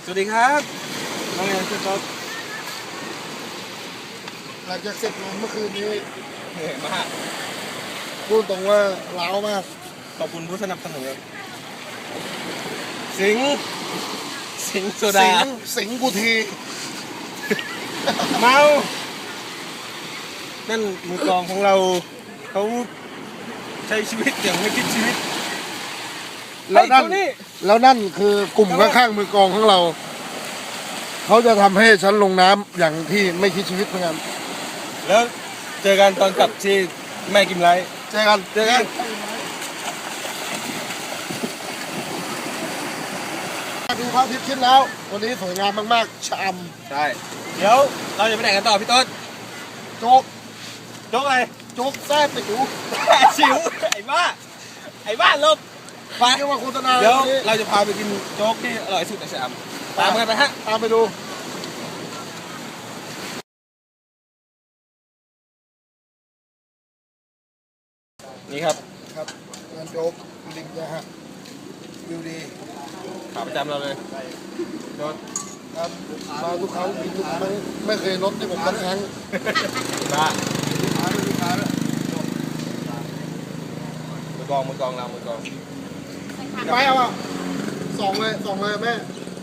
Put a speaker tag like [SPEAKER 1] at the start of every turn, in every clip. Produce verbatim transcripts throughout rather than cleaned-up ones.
[SPEAKER 1] วัสดีครับน้องแอนพี่ต๊อด
[SPEAKER 2] หลังจากเสร็จงานเมื่อคืนนี้
[SPEAKER 1] เหนื่อยมาก
[SPEAKER 2] พูดตรงว่าล้าวมาก
[SPEAKER 1] ขอบคุณผู้สนับสนุนสิงสิงโซดา
[SPEAKER 2] สิงสิงกูที
[SPEAKER 1] เมานั่นมือกลองของเราเขาใช้ชีวิตอย่างไม่คิดชีวิต
[SPEAKER 2] แล้วนั่นแล้วนั่นคือกลุ่มข้างๆมือกลองของเราเขาจะทำให้ฉันลงน้ำอย่างที่ไม่คิดชีวิตเหมือนกัน
[SPEAKER 1] แล้วเจอกันตอนกลับที่แม่กิมไลท์
[SPEAKER 2] เจอกัน
[SPEAKER 1] เจอกัน
[SPEAKER 2] ดูพระอาทิตย์ขึ้นแล้ววันนี้สวยงามมากๆชาม
[SPEAKER 1] ใช่เดี๋ยวเราจะไปไหนกันต่อพี่ต้น
[SPEAKER 2] โจ๊ก
[SPEAKER 1] โจ๊กอะไร
[SPEAKER 2] โจ๊กแซ่บติ๋ว
[SPEAKER 1] ชิวไอ้บ้าไอ้บ้าลบ
[SPEAKER 2] ไปเรียกว่าโฆษณา
[SPEAKER 1] เดี๋ยวเราจะพาไปกินโจ๊กที่อร่อยสุดในชามตามกันไปฮะ
[SPEAKER 2] ตามไปดู
[SPEAKER 1] นี่ครับ
[SPEAKER 2] ครับงานโจ๊กริมนะฮะวิวดี
[SPEAKER 1] ขาประจำเราเลยโจ๊ก
[SPEAKER 2] ครับมาทุกครั้งกินทุกครั้งไม่เคยลดที่ผมสักครั้ง
[SPEAKER 1] บ้ามือกองมือกองเรามือกอง
[SPEAKER 2] ไปเอาอ่ะสองเลยสองเลยแม่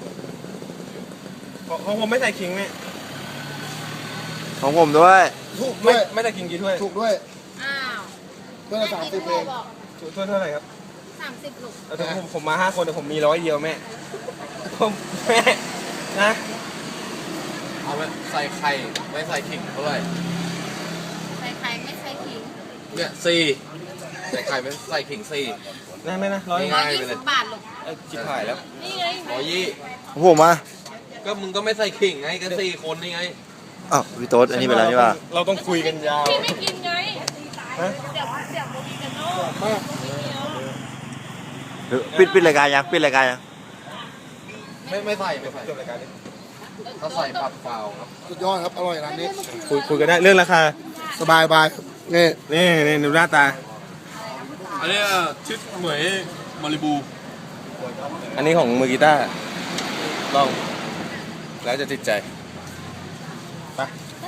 [SPEAKER 1] ของผมไม่ใส่ขิงไหม
[SPEAKER 3] ของผมด้วย
[SPEAKER 2] ถูกด้วย
[SPEAKER 1] ไม่ใส่ขิงกี่ถ้วย
[SPEAKER 2] ถูกด้วย
[SPEAKER 4] อ้าว
[SPEAKER 2] เพื่อนสามสิบเอง
[SPEAKER 1] ถ้วยเท่าไหร่ครับ
[SPEAKER 4] สามสิบลูก
[SPEAKER 1] แต่ผมผมมาห้าคนแต่ผมมีร้อยเดียวแม่ผมแม่นะ
[SPEAKER 3] เอาไหมใส่ไข่ไม่ใส่ขิงเท่าไหร่
[SPEAKER 4] ใส่ไข่ไม่ใส่ขิง
[SPEAKER 3] เนี่ยสี่ใส่ไข่ไม่ใส่ขิงสี่
[SPEAKER 1] ได้ไหมนะร้อย
[SPEAKER 4] ร้อยยี่สิบบาทลูก
[SPEAKER 1] จิบหายแล้ว
[SPEAKER 4] นี่ไง
[SPEAKER 3] ร้อยยี่
[SPEAKER 2] ผมอ่ะ
[SPEAKER 3] ก็มึงก็ไม่ใส่ขิงไงก็สี่คนนี่ไง
[SPEAKER 2] อ้าวพี่โต๊ดอันนี้เป็นอะไรนี่วะ
[SPEAKER 1] เราต้องคุยกันยาว
[SPEAKER 4] พี่ไม่กินไงเดี๋ยวเดี๋ยวโมกิกันโน่
[SPEAKER 2] ปิดปิดรายการยังปิดรายการยัง
[SPEAKER 3] ไม่ไม่ใส่ไม่ใส่
[SPEAKER 1] จบรายการนี้
[SPEAKER 3] เขาใส่ผักเปล่าครับ
[SPEAKER 2] สุดยอดครับอร่อยร้านนี้
[SPEAKER 1] คุยคุยกันได้เรื่องราคา
[SPEAKER 2] สบายบายนี่
[SPEAKER 1] นี่นี่ดูหน้าตา
[SPEAKER 3] อันนี้ชุดเหมยมาริบู
[SPEAKER 1] อันนี้ของมือกีตาร์ลองแล้วจะติดใจไป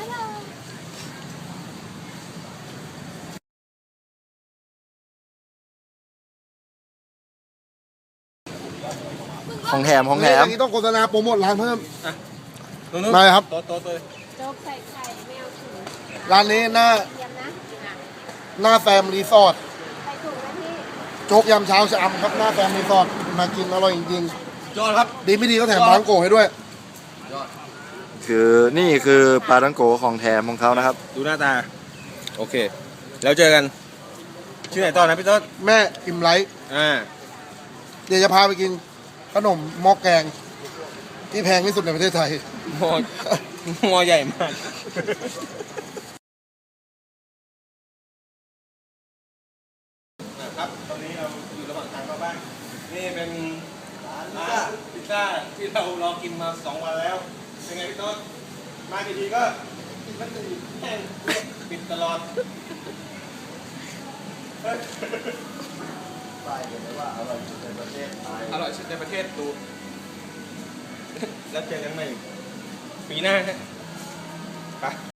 [SPEAKER 2] ของแถมของแถมอันนี้ต้องโฆษณาโปรโมทร้านเพิ่ม
[SPEAKER 1] ได้
[SPEAKER 2] ครับ
[SPEAKER 1] โต๊ะโต๊ะเลย
[SPEAKER 4] โจ๊กใส่ไข่ไม่เอาถุง
[SPEAKER 2] ร้านนี้หน้าหน้าแฟมรีสอร์ท
[SPEAKER 4] ใส่ถุงนะพี่
[SPEAKER 2] โจ๊กยำเช้าชะอำครับหน้าแฟมรีสอร์ทมากินอร่อยจริง
[SPEAKER 1] ๆยอดครับ
[SPEAKER 2] ดีไม่ดีก็แถมปลาทังโกให้ด้วย
[SPEAKER 3] คือนี่คือปลาทังโกของแถมของเขานะครับ
[SPEAKER 1] ดูหน้าตาโอเคแล้วเจอกันชื่อไหนต่อนะพี่ต้น
[SPEAKER 2] แม่อิ่มไลท์
[SPEAKER 1] อ่า
[SPEAKER 2] เดี๋ยวจะพาไปกินขนมหม้อแกงที่แพงที่สุดในประเทศไทย
[SPEAKER 1] หม้อหม้อใหญ่มากครับตอนนี้เราอยู่ระหว่างทางเข้าบ้านนี่เป็นร้านพิซซ่าที่เรารอกินมาสองวันแล้วเป็นไงพี่ต้นมากี่ทีก็ไม่ติดแห้งปิดตลอดไปเลยว่าอร่อยสุดในประเทศไทยอร่อยสุดในประเทศดูแล้วเจอกันใหม่ปีหน้าฮะไป